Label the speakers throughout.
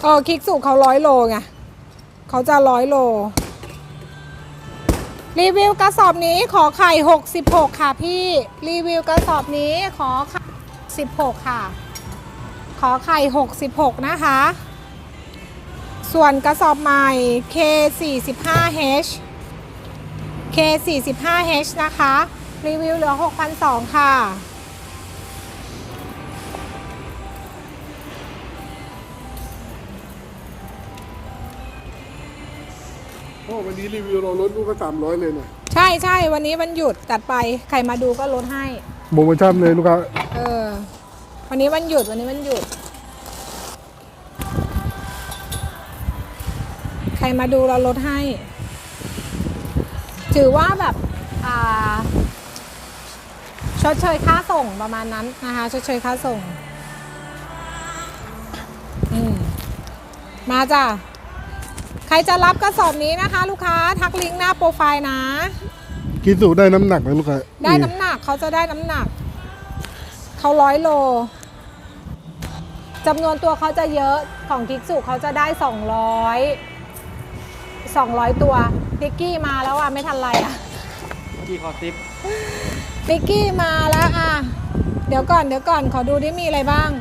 Speaker 1: คลิกสุเขา100 โลไงเขาจะ100 โลรีวิวกระสอบนี้ขอไข่66ค่ะพี่รีวิวกระสอบนี้ขอไข่16ค่ะขอไข่66นะคะส่วนกระสอบใหม่ K45H K45H นะคะรีวิวเหลือ 6,200 ค่ะ
Speaker 2: โอ้วันนี้รีวิวเราลดลูกก็300เลยเนี่ย
Speaker 1: ใช่ใช่วันนี้วันหยุดจัดไปใครมาดูก็ลดให้
Speaker 2: โปรโมชั่นเลยลูกค้า
Speaker 1: วันนี้วันหยุดวันนี้วันหยุดใครมาดูเราลดให้ถือว่าแบบชดเชยค่าส่งประมาณนั้นนะคะชดเชยค่าส่งมาจ้ะใครจะรับกระสอบนี้นะคะลูกค้าทักลิงก์หน้าโปรไฟล์นะ
Speaker 2: คิดสูได้น้ำหนักไหมลูกค้า
Speaker 1: ได้น้ำหนักเขาจะได้น้ำหนักเขา100 โลจำนวนตัวเขาจะเยอะของกิกสุเขาจะได้200ตัวติ๊กกี้มาแล้วอ่ะไม่ทันไรอ่ะ
Speaker 3: กี่คอซิป
Speaker 1: ติ๊กกี้มาแล้วอ่ะเดี๋ยวก่อนขอดูดิมีอะไรบ้าง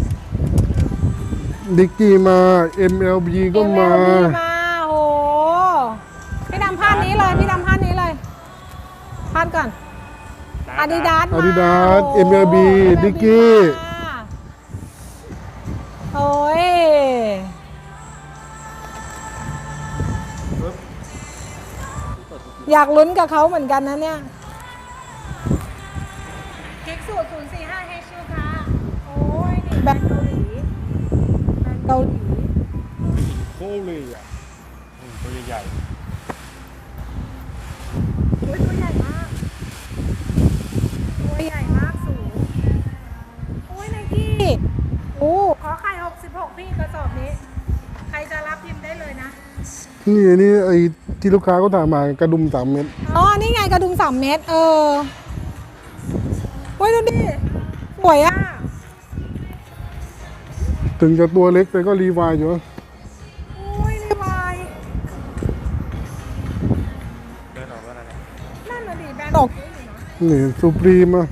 Speaker 2: ดิกกี้มา MLB ก็มา
Speaker 1: โหพี่ดำพาดนี้เลยพาดก่อนอาดิดาส
Speaker 2: MLB ดิกกี้
Speaker 1: โอ้ยอยากลุ้นกับเขาเหมือนกันนะเนี่ยเค้กสูตร045Hค่ะโอ้ยนี่แบรนด์เกาหลี
Speaker 2: โคเลยอ่ะ
Speaker 3: ตัวใหญ่
Speaker 1: ตัวใหญ่มากสูงโอ้ยไนกี้ขอไข่66พี่กระสอบนี้ใครจะรับพิมพ์ได้เลยนะ
Speaker 2: นี่ไอ้ที่ลูกค้าก็ถามมากระดุม3 เม็ด
Speaker 1: นี่ไงกระดุม3 เม็ดโอ้ยดูดิสวยอ่ะ
Speaker 2: ถึงจะตัวเล็กแต่ก็รีวายอยู่
Speaker 1: โอ้ยรีวาย
Speaker 3: เดินออกแล้วนะ
Speaker 1: นั่นน่ะดิแบรนด์ตก
Speaker 2: นี่ซูพรีมอ่ะ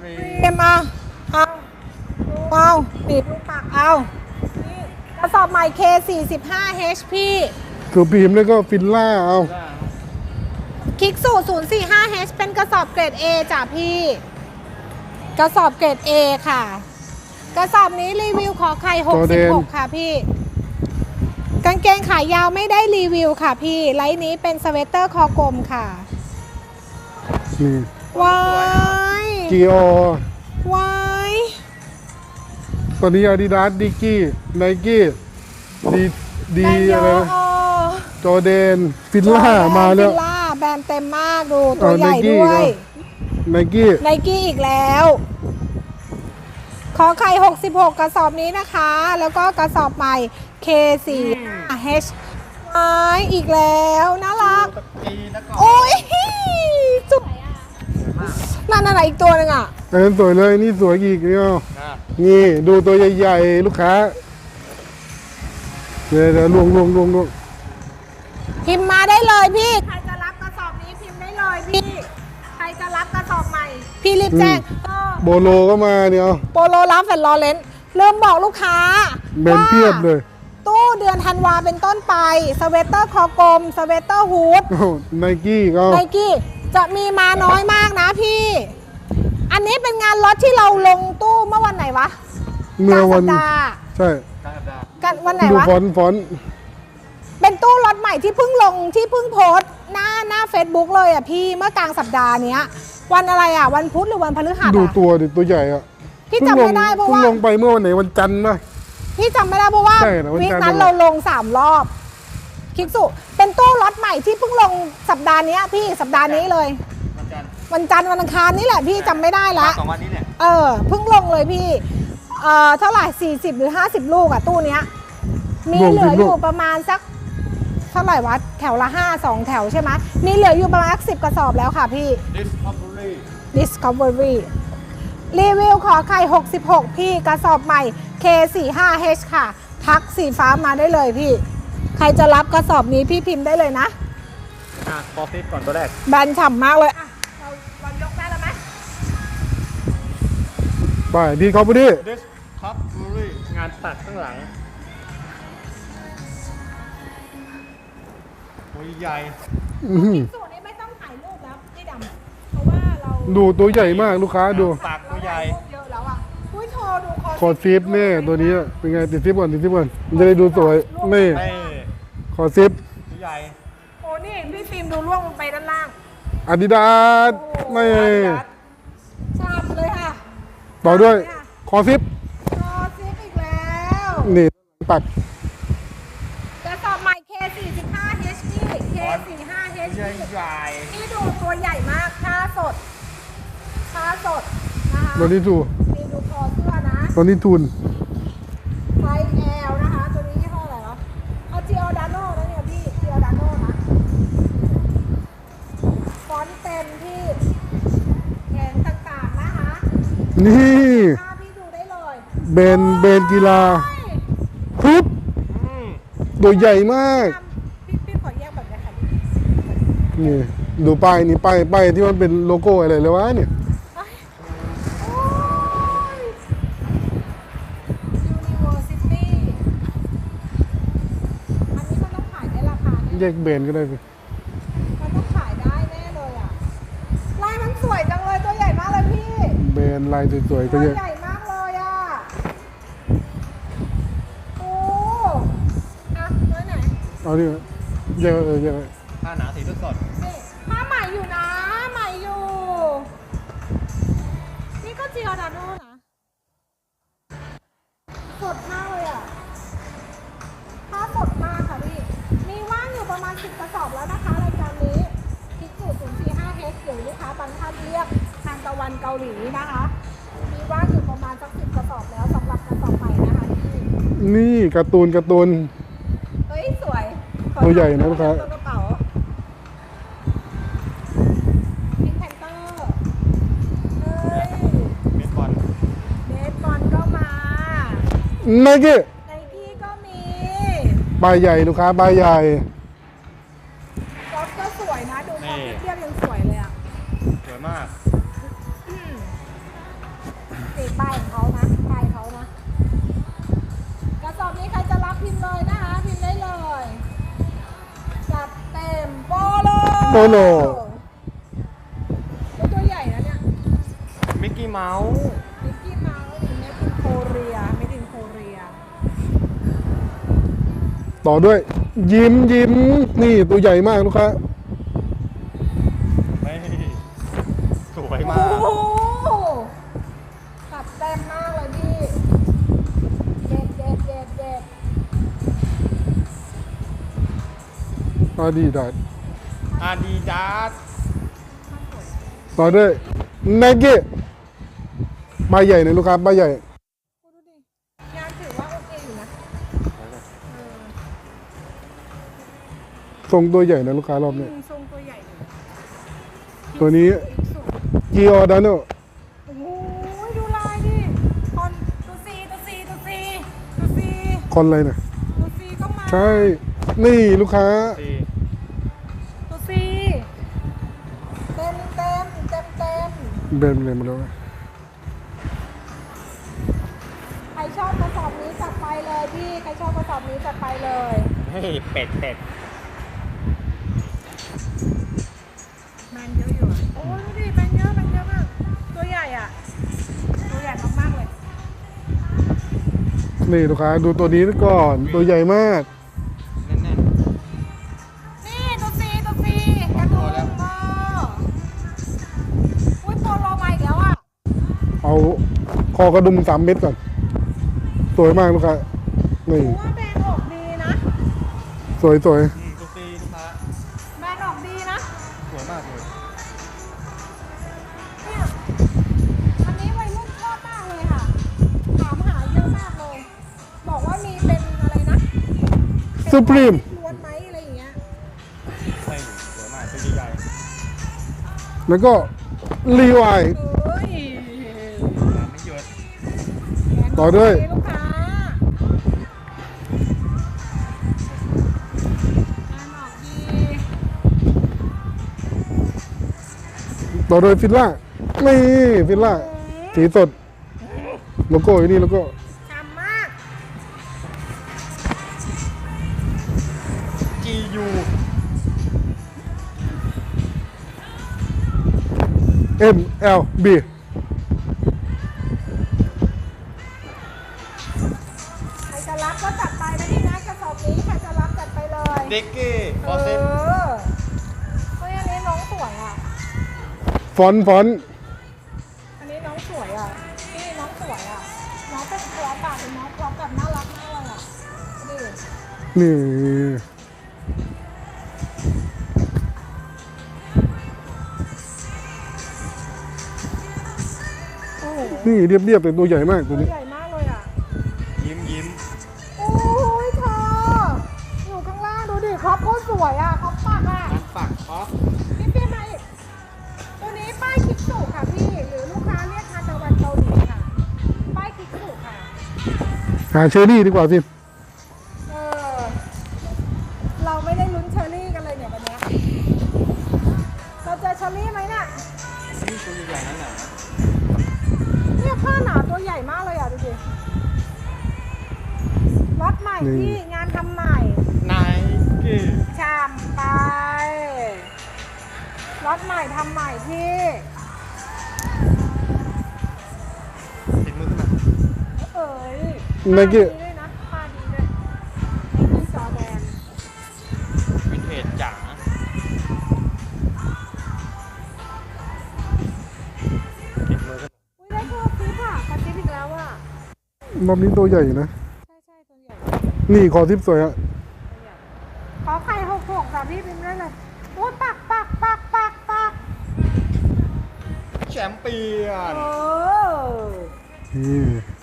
Speaker 1: เอาติดลูกปากเอากระสอบใหม่ K45H พี่
Speaker 2: ซูพรีมแล้วก็ฟิลล่าเอา
Speaker 1: คลิกสูตร 045H เป็นกระสอบเกรด A จ้ะพี่กระสอบเกรด A ค่ะกระสอบนี้รีวิวขอไข่66ค่ะพี่กางเกงขายาวไม่ได้รีวิวค่ะพี่ไลน์นี้เป็นสเวตเตอร์คอกลมค่ะว้าย
Speaker 2: จีโอ
Speaker 1: ว้าย
Speaker 2: ตอนนี้อาดิดาสดิกกี้ไนกี้ดีอะไรจอแดนฟิลล่ามาแล้ว
Speaker 1: ฟิลล่าแบรนด์เต็มมากดูตัวใหญ่ด้วย
Speaker 2: ไนกี้
Speaker 1: อีกแล้วขอไข่66กระสอบนี้นะคะแล้วก็กระสอบใหม่ K45H อีกแล้วน่ารักโอ้ยสวยอ่ะนั่นอะไรอีกตัวนึงอ่ะ
Speaker 2: สวยเลยนี่สวยอีกนี่ดูตัวใหญ่ๆลูกค้าเดี๋ยวลวง
Speaker 1: พิมพ์มาได้เลยพี่ใครจะรับกระสอบนี้พิมพ์ได้เลยพี่ใครจะรับกระสอบใหม่พี่รีบแจ้ง
Speaker 2: โบโลก็มาเนี่ย
Speaker 1: โบโลรับแฟนลอเรนเริ่มบอกลูกค้า
Speaker 2: เบนเพียบเลย
Speaker 1: ตู้เดือนธันวาเป็นต้นไปสเวตเตอร์คอกลมสเวตเตอร์ฮูด
Speaker 2: ไนกี้
Speaker 1: จะมีมาน้อยมากนะพี่อันนี้เป็นงานล็อตที่เราลงตู้เมื่อวันไหนวะ
Speaker 2: เมื่อวันใช่
Speaker 1: กันวันไหนวะ
Speaker 2: ฟอน
Speaker 1: เป็นตู้ล็อตใหม่ที่เพิ่งลงที่เพิ่งโพสหน้า Facebook เลยอ่ะพี่เมื่อกลางสัปดาห์นี้วันอะไรอ่ะวันพุธหรือวันพฤหัส
Speaker 2: ดูตัวดิตัวใหญ่อ่ะ
Speaker 1: พี่จำไม่ได้เพราะว่า
Speaker 2: ลงไปเมื่อวันไหนวันจันทร์นะ
Speaker 1: พี่จำไม่ได้เพราะว่าวีคนั้นเราลง3 รอบคิกสุเป็นตู้ล็อตใหม่ที่เพิ่งลงสัปดาห์นี้พี่สัปดาห์นี้เลยวันจันทร์วันอังคารนี่แหละพี่จำไม่ได้ละ
Speaker 3: 2 วันนี้เนี่ย
Speaker 1: เพิ่งลงเลยพี่เท่าไหร่40หรือ50ลูกอ่ะตู้เนี้ยมีเหลืออยู่ประมาณสักเท่าไหร่วะแถวละ2 แถวใช่ไหมมีเหลืออยู่ประมาณ10 กระสอบแล้วค่ะพี่ Discovery รีวิวขอไข่66พี่กระสอบใหม่ K45H ค่ะทักสีฟ้ามาได้เลยพี่ ใครจะรับกระสอบนี้พี่พิมพ์ได้เลยนะ
Speaker 3: คอซิปก่อนตัวแรก
Speaker 1: แบรนด์ฉ่ำมากเลยอ่ะเรายกได้แล้วไหม
Speaker 2: ไปดีครับพี่
Speaker 3: ดิสคัพบูรี่งานตัดข้างหลังตัวใหญ่
Speaker 1: สูตรนี้ไม่ต้องถ่ายรูปแล้วพี่ดำเพราะว่าเรา
Speaker 2: ดูตัวใหญ่มากลูกค้าดู
Speaker 3: ปากตัวใหญ่
Speaker 1: รูปเยอะแล้วอ่ะอุ้ยโชว์ดู
Speaker 2: คอซิปเนี่ยตัวนี้เป็นไงติดซิปก่อนติดซิปก่อนมันจะได้ดูสวยนี่
Speaker 3: เต้
Speaker 2: คอซิป
Speaker 3: ตัวใหญ่
Speaker 1: โอ้นี่พี่ฟิล์มดูล่วงลงไปด้านล่าง
Speaker 2: อาดิดาสไม่
Speaker 1: ชามเลยค่ะ
Speaker 2: ต่อด้วยคอซิป
Speaker 1: คอซิปอีกแล้ว
Speaker 2: นี่ปัก
Speaker 1: กระสอบใหม่ K45H พี่ K45H
Speaker 3: ใหญ่ใหญ่
Speaker 1: นี่ดูตัวใหญ่มากผ้าสดนะคะ
Speaker 2: ตัวนี้ทู
Speaker 1: นี่ดูคอเสื้อนะ
Speaker 2: ตัวนี้ทูน
Speaker 1: ไซส์ L นะคะ ตัวนี้ยี่ห้ออะไรวะเอา Giordano นะเนี่ยพี่ Giordano นะฟอนต์เต็มที่แขนต่างๆนะคะ
Speaker 2: นี่
Speaker 1: ผ้าพี่ดูได้เลย
Speaker 2: เบนกีฬาปุ๊บตัวใหญ่มาก
Speaker 1: พี่ขอแยกแบบนี้ค่ะ
Speaker 2: นี่ดูป้ายนี่ป้ายที่มันเป็นโลโก้อะไรเลยวะเนี่ย
Speaker 1: โอ้ย University อันนี้มันต้องขายได้ราคาแน่
Speaker 2: แยกเบนก็ได้สิ
Speaker 1: มันต้องขายได้แน่เลยอ่ะ ลายมันสวยจังเลยตัวใหญ่มากเลยพี่
Speaker 2: เบนลายสวยๆก็
Speaker 1: ตัว
Speaker 2: เยอะ
Speaker 1: ใหญ่มากเลยอ่ะ โอ้อะไว้ไหน
Speaker 2: เอาดิแยกแยก
Speaker 3: ผ้าหนาสีสด
Speaker 1: นี่ผ้าใหม่อยู่นะ ใหม่อยู่ นี่ก็จิออดาโน่นะ สดมากเลยอ่ะ ผ้าสดมากค่ะพี่ มีว่างอยู่ประมาณ10กระสอบแล้วนะคะรายการนี้พิกสูตร 045H หรือลูกค้าบางท่านเรียกทางตะวันเกาหลีนะคะ มีว่างอยู่ประมาณสัก10กระสอบแล้วสำหรับกระสอบใหม่นะคะพี่
Speaker 2: นี่การ์ตูน
Speaker 1: เฮ้ยสวย
Speaker 2: ตัวใหญ่นะลูกค้า
Speaker 1: ตัวกระเป๋าพิงแพนเตอร์เฮ้ย
Speaker 3: ๆเบสบอล
Speaker 1: เบสบอลก็มา
Speaker 2: ไนกี้
Speaker 1: ไนกี้ก็มี
Speaker 2: ใบใหญ่ลูกค้าใบใหญ่
Speaker 1: ก๊อฟก็สวยนะ ดูก๊อฟเทียบยังสวยเลยอ่ะ
Speaker 3: สวยมาก
Speaker 1: สีป้ายของเขานะป้ายเขานะกระสอบนี้ใครจะรับพิมพ์เลยนะคะพิมพ์ได้เลยจัดเต็มโปโล
Speaker 2: โปโล
Speaker 1: ตัวใหญ่นะเนี่ย
Speaker 3: มิกกี้เมาส์
Speaker 1: มิกกี้เมาส์เมดินโคเรียเมดินโคเรีย
Speaker 2: ต่อด้วย ยิ้มนี่ตัวใหญ่มากลูกค้า
Speaker 3: ไม่สวยมา
Speaker 1: โอ้
Speaker 3: ก
Speaker 1: โหจัดเต็มมากเลยพี่เด็ด
Speaker 2: อาดิดาส
Speaker 3: อาดิดาส
Speaker 2: ต่อด้วยไนกี้ใบใหญ่นะลูกค้าใบใหญ่
Speaker 1: ดูดิงานถือว่าโอเคอยู่นะ
Speaker 2: ทรงตัวใหญ่นะลูกค้ารอบนี้
Speaker 1: ทรงตัวใหญ่เลย
Speaker 2: ตัวนี้
Speaker 1: สุด
Speaker 2: จิออดาโน
Speaker 1: โอ้โหดูลายดิคอนตัวซี
Speaker 2: คอนอะไรนะ
Speaker 1: ตัวซีก็มา
Speaker 2: ใช่ นี่ลูกค้า
Speaker 3: สี
Speaker 1: ตัวซีเต็ม
Speaker 2: เบนเลยมาแล้ว
Speaker 1: ใครชอบกระสอบนี้จัดไปเลยพี่ใครชอบกระสอบนี้จัดไปเลย
Speaker 3: เฮ้ยเป็ด
Speaker 1: แมนเยอะอยู่อะโอ้ดูดิแมนเยอะมากตัวใหญ่อ่ะตัวใหญ่มากๆเลย
Speaker 2: นี่ลูกค้าดูตัวนี้ก่อนตัวใหญ่มาก
Speaker 3: แน่น
Speaker 1: นี่ตัวซีกระดุมอุ้ยโปโลมาอีกแล้วอ่ะ
Speaker 2: เอาคอกระดุม3 เม็ดก่อน สวยมากลูกค้า นี่
Speaker 1: ถือว่าแบรนด์ออกดีนะ
Speaker 2: สวย
Speaker 3: ตัวซีลูกค้า
Speaker 1: แบรนด์ออกดีนะ
Speaker 3: สวยมากเลย
Speaker 1: เนี่ยอันนี้วัยรุ่นชอบมากเลยค่ะ ถามหาเยอะมากเลย บอกว่ามีเป็นอะไรนะ
Speaker 2: สุพรีม
Speaker 1: ล้วนไหมอะไรอย่างเงี้ย
Speaker 3: ใช่สวยมากตัวใหญ่
Speaker 2: แล้วก็รีวาย
Speaker 1: เอ้ย
Speaker 3: ๆไม่หยุด
Speaker 2: ต่อด้วย
Speaker 1: ลูกค้า
Speaker 2: ต่อโดยฟิลล่านี่ฟิลล่าสีสดโลโก้อยู่นี่โลโก้
Speaker 1: ฉ่ำมาก
Speaker 3: GU
Speaker 2: MLB
Speaker 1: ใครจะรับก็จัดไปนะพี่นะกระสอบนี้ใครจะรับจัดไปเลย
Speaker 3: เด็กเก้ฟอร์เซน
Speaker 1: เฮ้ยอันนี้น้องสวยอ่ะ
Speaker 2: ฟอนต์
Speaker 1: อันนี้น้องสวยอ่ะนี่น้องสวยอ่ะ น้องเป็นตัวปากเป็นน้องพร้อมกับน่ารักมากเลยอ่ะดูดิ
Speaker 2: นี่
Speaker 1: โอ้โห
Speaker 2: นี่เรียบๆแต่ตัวใหญ่มากตัว
Speaker 1: ตัว
Speaker 2: นี้
Speaker 1: ใหญ่มากเลยอ่ะ
Speaker 3: ยิ้ม
Speaker 1: โอ้ยเธออยู่ข้างล่างดูดิครอบโคตรสวยอ่ะครอบปากอ่ะ
Speaker 3: ร้านฝักออฟ
Speaker 1: พี่เปียมาอีกตัวนี้ป้ายคิกสุค่ะพี่ หรือลูกค้าเรียกทานตะวันเกาหลีค่ะ ป้ายคิกสุค่ะ
Speaker 2: หาเชอรี่ดีกว่าสิ
Speaker 1: เออ เราไม่ได้ลุ้นเชอรี่กันเลยเนี่ยวันเนี้ยเราเจอเชอรี่ไหมเนี่ย
Speaker 3: นี่ตัวใหญ่ๆนั่นแหละ
Speaker 1: เนี่ยผ้าหนาตัวใหญ่มากเลยอ่ะดูดิล็อตใหม่พี่งานทำใหม่
Speaker 3: ไนกี้
Speaker 1: ชามไปล็อตใหม่ทำใหม่พี่
Speaker 3: ติดมือขึ้นมา
Speaker 1: เอ้ย
Speaker 2: ไนกี้
Speaker 1: ผ้าดีด้วยนะผ้าดีด้วยไนกี้จอแดน
Speaker 3: วินเทจจ๋า ติดมือขึ้นมา
Speaker 1: อุ้ยได้ตัวซิปอ่ะขอซิปอีกแล้วอ่ะ
Speaker 2: รอบนี้ตัวใหญ่นะ
Speaker 1: ใช่ใช่ตัวใหญ่
Speaker 2: นี่คอทิปสวยอะ
Speaker 1: ขอไข่66ค่ะพี่พิมพ์ได้เลยโอ้ยปักปักปักปักปัก
Speaker 3: แชมเปี้ยน
Speaker 1: เออ
Speaker 2: นี่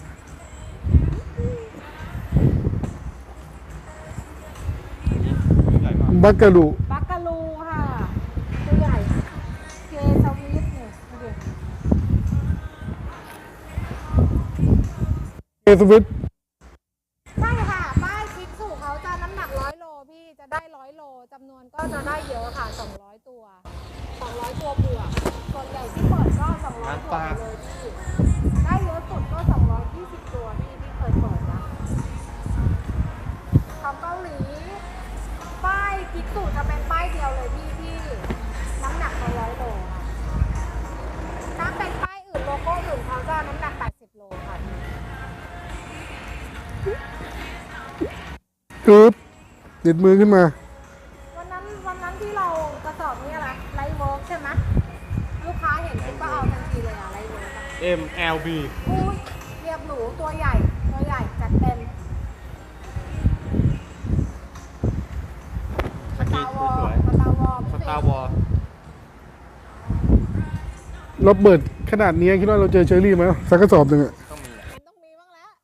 Speaker 3: ใหญ่มาก
Speaker 2: บักกะลู
Speaker 1: บักกะลูค่ะตัวใหญ่เกสวิสเนี่ยดูดิ
Speaker 2: เอสวิต
Speaker 1: ใช่ค่ะป้ายคิกสูเขาจะน้ำหนัก100 โลพี่จะได้100 โลจำนวนก็จะได้เยอะค่ะ200 ตัว200 ตัวบวกส่วนใหญ่ที่เปิดก็200 ตัวไปเลยพี่ได้เยอะสุดก็220 ตัวพี่ที่เคยเปิดนะของเกาหลีป้ายคิกสูจะเป็นป้ายเดียวเลยพี่ที่น้ำหนัก100 โลค่ะถ้าเป็นป้ายอื่นโลโก้อื่นเขาจะน้ำหนัก80 โลค่ะพี่
Speaker 2: อึ๊บติดมือขึ้นมา
Speaker 1: วันนั้นที่เรากระสอบนี้อะไรไลท์เวิร์กใช่ไหมลูกค้าเห็นปุ๊บก็เอาทันทีเลยอะไลท์เวิร์กอะ
Speaker 3: MLB
Speaker 1: อุ้ยเรียบหรูตัวใหญ่จัดเต็ม
Speaker 3: สกีสวย
Speaker 1: สตาร์วอล
Speaker 3: ๆสตาร์วอล
Speaker 2: เราเปิดขนาดนี้คิดว่าเราเจอเชอรี่ไหมสักกระสอบหนึ่งอะ
Speaker 3: ต้องมีแหละ
Speaker 1: มันต้องมีบ้างแล้ว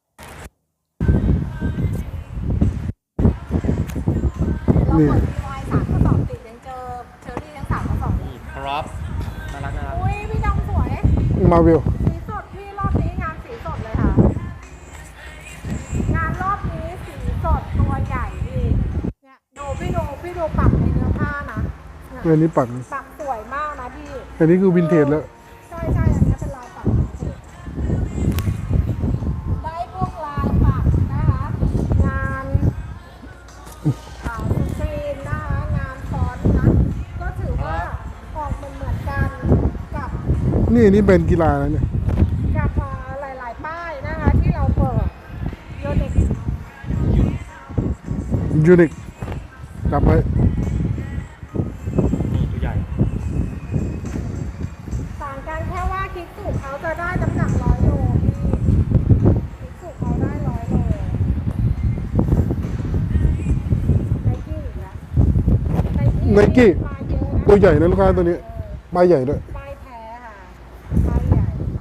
Speaker 1: เราเปิดทีวาย3 กระสอบติดยังเจอเชอรี่ทั้ง3 กระสอบเลย
Speaker 3: นี่พร็อพน่ารัก
Speaker 1: อุ้ยพี่ดำสวย
Speaker 2: มาเวล
Speaker 1: สีสดพี่รอบนี้งานสีสดเลยค่ะ งานรอบนี้สีสดตัวใหญ่พี่เนี่ยดูพี่ดูปักในเนื้อผ้านะเนี่ย
Speaker 2: อันนี้ปัก
Speaker 1: ปักสวยมากนะพี่
Speaker 2: อันนี้คือวินเทจแล้ว
Speaker 1: ใช่อันนี้เป็นลายปักวินเทจได้พวกลายปักนะคะ งานสกรีนนะคะงานฟอนต์นะ ก็ถือว่าออกเหมือนกันกับ
Speaker 2: นี่เป็นกีฬาแล้วเนี่ย
Speaker 1: กับหลายๆป้ายนะคะที่เราเปิดโยเด็ก
Speaker 2: ยูนิคจับไว้
Speaker 3: นี่ตัวใหญ่
Speaker 1: ต่างกันแค่ว่าคิกสูเขาจะได้น้ำหนัก100 โลพี่คิกสูเขาได้100 โลไนกี้อีกแล้ว
Speaker 2: ไนกี้
Speaker 1: มาเยอะนะ
Speaker 2: ตัวใหญ่นะลูกค้าตัวนี้ใบใหญ่ด้วย
Speaker 1: ป้ายแท้ค่ะป้ายใหญ่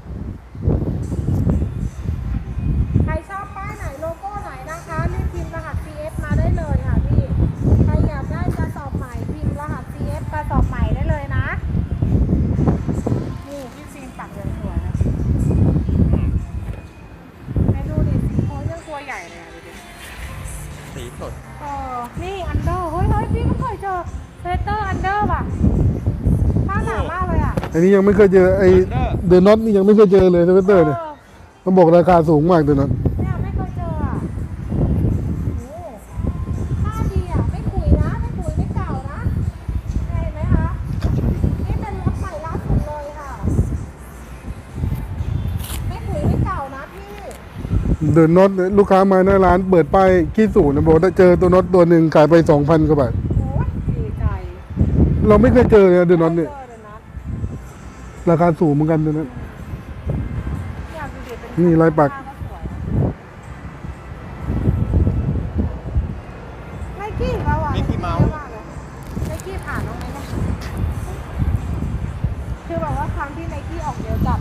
Speaker 1: ใครชอบป้ายไหนโลโก้ไหนนะคะรีบพิมพ์รหัส CF มาได้เลยค่ะพี่ ใครอยากได้กระสอบใหม่พิมพ์รหัส CF กระสอบใหม่ได้เลยนะ นี่พี่ฟิล์มปักอย่างสวยนะให้ดูดิสีโค้ยังตัวใหญ่เลยอ่ะดูดิ
Speaker 3: สีสด
Speaker 1: นี่อันเดอร์เฮ้ยพี่ก็เคยเจอเซเตอร์อันเดอร์ป่ะผ้าหนามากเลยอ่ะ
Speaker 2: อันนี้ยังไม่เคยเจอไอเดอะน็อตนี่ยังไม่เคยเจอเลยสเวตเตอร์เนี่ยมันบอกราคาสูงมากเดอะน็อต
Speaker 1: เนี่ยไม่เคยเจออ่ะโอ้ผ้าดีอ่ะไม่ขุยนะไม่ขุยไม่เก่านะเห็นไหมคะนี่เป็นรถใหม่ล่าสุดเลยค่ะไม่ขุยไม่เก่านะพี่
Speaker 2: เดอะน็อตลูกค้ามาหน้าร้านเปิดป้ายขี้สูนะบอกว่าเจอตัวน็อตตัวหนึ่งขายไป 2,000 กว่าบาท
Speaker 1: โอ้ยดีใจ
Speaker 2: เราไม่เคยเจอเลยเดอะน็อตเนี่ย
Speaker 1: เจอเลยนะ
Speaker 2: ราคาสูงเหมือนกันเดอะน็อต
Speaker 1: อยากดูดิเป็น
Speaker 2: นี่ลายปัก
Speaker 1: ผ้ก็สวยไนกี้อีกแล้วอ่ะ
Speaker 3: มิกกี้เมาส์
Speaker 1: ไนกี้ผ่านน้องไหมเนี่ยคือแบบว่าครั้งที่ไนกี้ออกเยอะจัด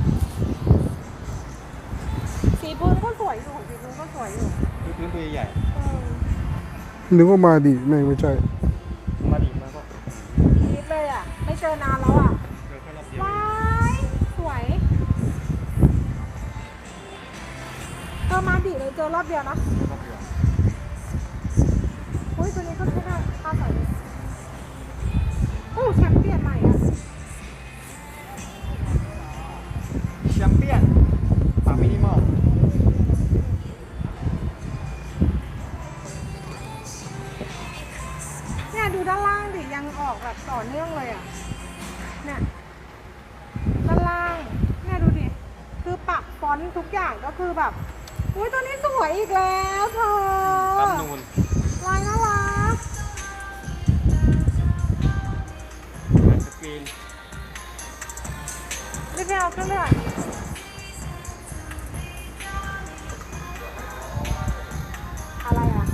Speaker 1: สีพื้นก็สวยอยู่สีพื้นก็สวยอยู่
Speaker 3: พื้นตัวใหญ่
Speaker 1: เออ
Speaker 2: นึกว่ามาดีไม่ใช่
Speaker 3: มาดีมากก็
Speaker 1: คิดเลยอ่ะ ไม่เจอนานแล้วอ่ะ
Speaker 3: เจอแค่รอบเดียว
Speaker 1: ว้ายสวยมาดิเลยเจอรอบเดียวนะ
Speaker 3: รอบเดียว
Speaker 1: อุ้ยตัวนี้ก็ใช้ได้ค่าสวยเลยโอ้แชมเปี้ยนใหม่อ่ะ
Speaker 3: แชมเปี้ยนปากมินิมอล
Speaker 1: เนี่ยดูด้านล่างดิยังออกแบบต่อเนื่องเลยอ่ะ เนี่ยด้านล่างเนี่ยดูดิคือปักฟอนต์ทุกอย่างก็คือแบบอุ้ยตัวนี้สวยอีกแล้วเธอ
Speaker 3: ปั๊มนูน
Speaker 1: ลายน่ารัก
Speaker 3: สกรีน
Speaker 1: รีบไปเอาขึ้นเลยอะไรอ่ะ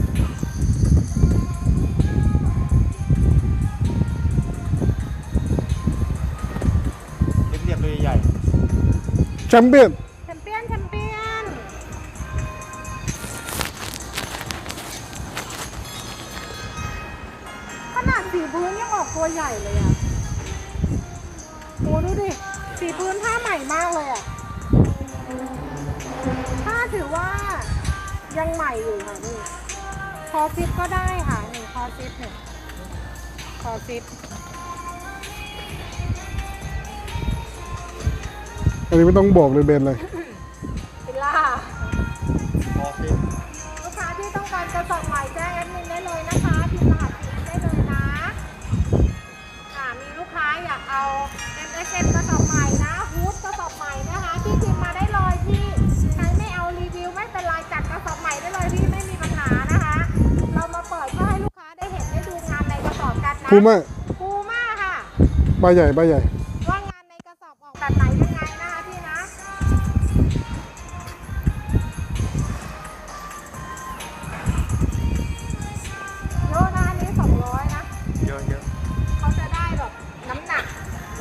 Speaker 3: เรียบๆตัวใหญ่
Speaker 2: แชมเปี้ยน
Speaker 1: แชมเปี้ยนแชมเปี้ยนขนาดสีพื้นยังออกตัวใหญ่เลยอ่ะโอ้ดูดิสีพื้นผ้าใหม่มากเลยอ่ะผ้าถือว่ายังใหม่อยู่ค่ะนี่คอซิปก็ได้ค่ะนี่คอซิปเนี่ยคอซิป
Speaker 2: อันนี้ไม่ต้องบอกเลยแบรนด์อะไร
Speaker 1: ฟิลล่า
Speaker 3: ๆพอฟิต
Speaker 1: ลูกค้าที่ต้องการกระสอบใหม่แจ้งแอดมินได้เลยนะคะพิมพ์รหัสผิดได้เลยนะมีลูกค้าอยากเอา MSN กระสอบใหม่นะฮูดกระสอบใหม่นะคะที่พิมพ์มาได้เลยพี่ใครไม่เอารีวิวไม่เป็นไรจัดกระสอบใหม่ได้เลยพี่ไม่มีปัญหานะคะ เรามาเปิดเพื่อให้ลูกค้าได้เห็นได้ดูงานในกระสอบกันนะ
Speaker 2: พูม่า
Speaker 1: พูม่าค่ะ
Speaker 2: ใบใหญ่ใบใหญ่
Speaker 1: ว่างานในกระสอบออกแบบไหนยังไงนะคะพี่นะโลนะอันนี้200นะ
Speaker 3: เยอะ
Speaker 1: เขาจะได้แบบน้ำหนัก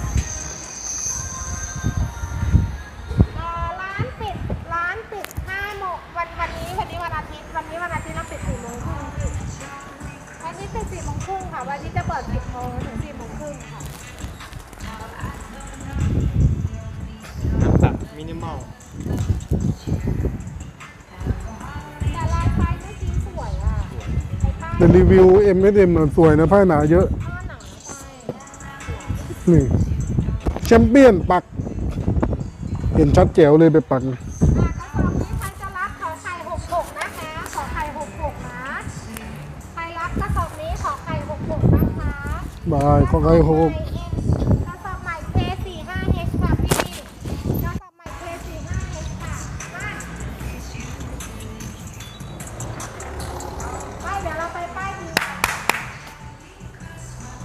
Speaker 1: ร้านปิด5 โมงวันนี้วันอาทิตย์เราปิด4 โมงครึ่งพี่วันนี้ปิด4 โมงครึ่งค่ะวันนี้จะเปิด10 โมงถึง4 โมงครึ่งค่ะ
Speaker 3: ๆน้ำสักมินิมอล
Speaker 1: แต่ลายไฟไม่สีสวยอ่ะไอ้ผ้า
Speaker 2: แต่รีวิว M&M น่ะสวยนะผ้าหนาเยอะ
Speaker 1: ผ้าหนาใช่
Speaker 2: นี่แชมเปี้ยนปัก เห็นชัดแจ๋วเลยไปปัก
Speaker 1: กระสอบนี้ใครจะรับขอไข่66นะคะขอไข่66นะใครรับกระสอบนี้ขอไข่66นะคะ
Speaker 2: บายขอไข่หก
Speaker 1: เอ